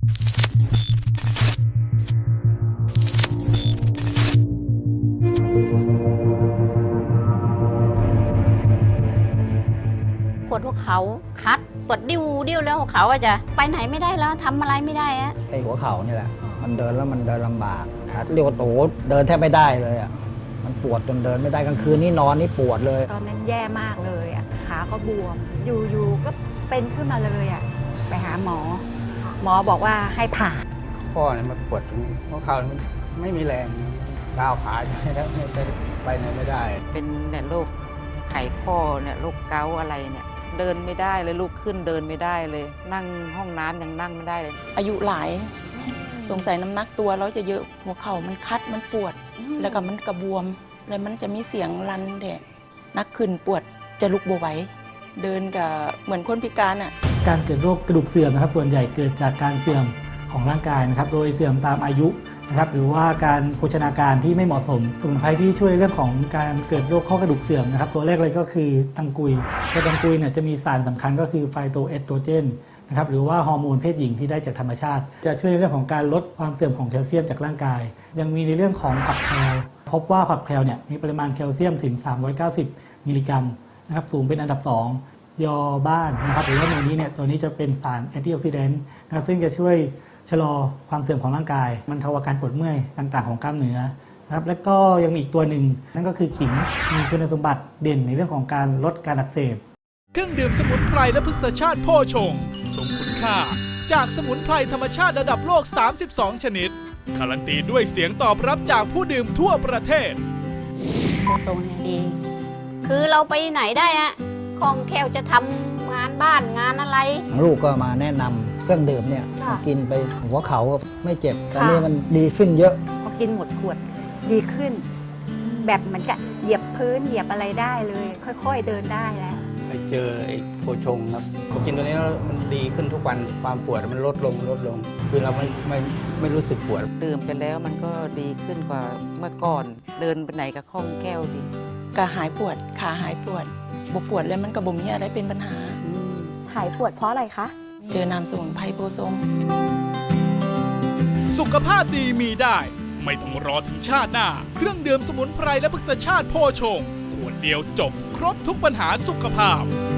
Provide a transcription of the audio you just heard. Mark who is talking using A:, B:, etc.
A: ปวดหัวเขาคัดปวดดิ้วแล้วหัวเขาอะจะไปไหนไม่ได้แล้วทำอะไรไม่ได้อะ
B: ไอ้หัวเข่านี่แหละมันเดินแล้วมันเดินลำบากเรียกว่าโตเดินแทบไม่ได้เลยอ่ะมันปวดจนเดินไม่ได้กลางคืนนี่นอนนี่ปวดเลย
C: ตอนนั้นแย่มากเลยอ่ะขาก็บวมอยู่ๆก็เป็นขึ้นมาเลยอ่ะไปหาหมอบอกว่าให้ผ่า
D: ข้อเนี่ยมันปวดตรงหัวเข่ามันไม่มีแรงก้าวขาแล้วไปไหนไม่ได้
E: เป็นเนี่ยโรคไขข้อเนี่ยโรคเกาต์อะไรเนี่ยเดินไม่ได้เลยลุกขึ้นเดินไม่ได้เลยนั่งห้องน้ำยังนั่งไม่ได้เลย
F: อายุหลายสงสัยน้ำหนักตัวแล้วจะเยอะหัวเข่ามันคัดมันปวดแล้วก็มันกระบวมแล้วมันจะมีเสียงรันแดดนักขึ้นปวดจะลุกบ่ไหวเดินกับเหมือนคนพิการอ่ะ
G: การเกิดโรคกระดูกเสื่อมนะครับส่วนใหญ่เกิดจากการเสื่อมของร่างกายนะครับโดยเสื่อมตามอายุนะครับหรือว่าการโภชนาการที่ไม่เหมาะสมสมุนไพรที่ช่วยเรื่องของการเกิดโรคข้อกระดูกเสื่อมนะครับตัวแรกเลยก็คือตังกุยตัวตังกุยเนี่ยจะมีสารสำคัญก็คือไฟโตเอสโตรเจนนะครับหรือว่าฮอร์โมนเพศหญิงที่ได้จากธรรมชาติจะช่วยในเรื่องของการลดความเสื่อมของแคลเซียมจากร่างกายยังมีในเรื่องของผักแพลวพบว่าผักแพลวเนี่ยมีปริมาณแคลเซียมถึง390มิลลิกรัมนะครับสูงเป็นอันดับ2ยอบ้านนะครับหรือว่าในนี้เนี่ยตัวนี้จะเป็นสารแอนตี้ออกซิแดนต์นะครับซึ่งจะช่วยชะลอความเสื่อมของร่างกายบรรเทาอาการปวดเมื่อยต่างๆของกล้ามเนื้อนะครับและก็ยังมีอีกตัวหนึ่งนั่นก็คือขิงมีคุณสมบัติเด่นในเรื่องของการลดการอักเสบ
H: เครื่องดื่มสมุนไพรและพฤกษชาติโพชงทรงคุณค่าจากสมุนไพรธรรมชาติระดับโลก32ชนิดการันตีด้วยเสียงตอบรับจากผู้ดื่มทั่วประเทศ
A: โพชงเนี่ยดีคือเราไปไหนได้อะคล่องแคล่วจะทำงานบ้านงานอะไร
B: ลูกก็มาแนะนำเครื่องดื่มเนี่ยกินไปหัวเข่าก็ไม่เจ็บตอนนี้มันดีขึ้นเยอะ
C: พอกินหมดขวดดีขึ้นแบบเหมือนกับเหยียบพื้นเหยียบอะไรได้เลยค่อยๆเดินได้แล้ว
D: ไปเจอไอ้โพชงครับพอกินตัวนี้แล้วมันดีขึ้นทุกวันความปวดมันลดลงคือเราไม่รู้สึกปวด
E: ดื่มไปแล้วมันก็ดีขึ้นกว่าเมื่อก่อนเดินไปไหนก็คล่องแคล่วดี
F: ก็หายปวดขาหายปวดบปวดแล้วมันก็บ่มีอะไรเป็นปัญหา
I: หายปวดเพราะอะไรคะ
F: เจอน้ำสมุนไพรโพชง
H: สุขภาพดีมีได้ไม่ต้องรอถึงชาติหน้าเครื่องดื่มสมุนไพรและพฤกษชาติโพชงขวดเดียวจบครบทุกปัญหาสุขภาพ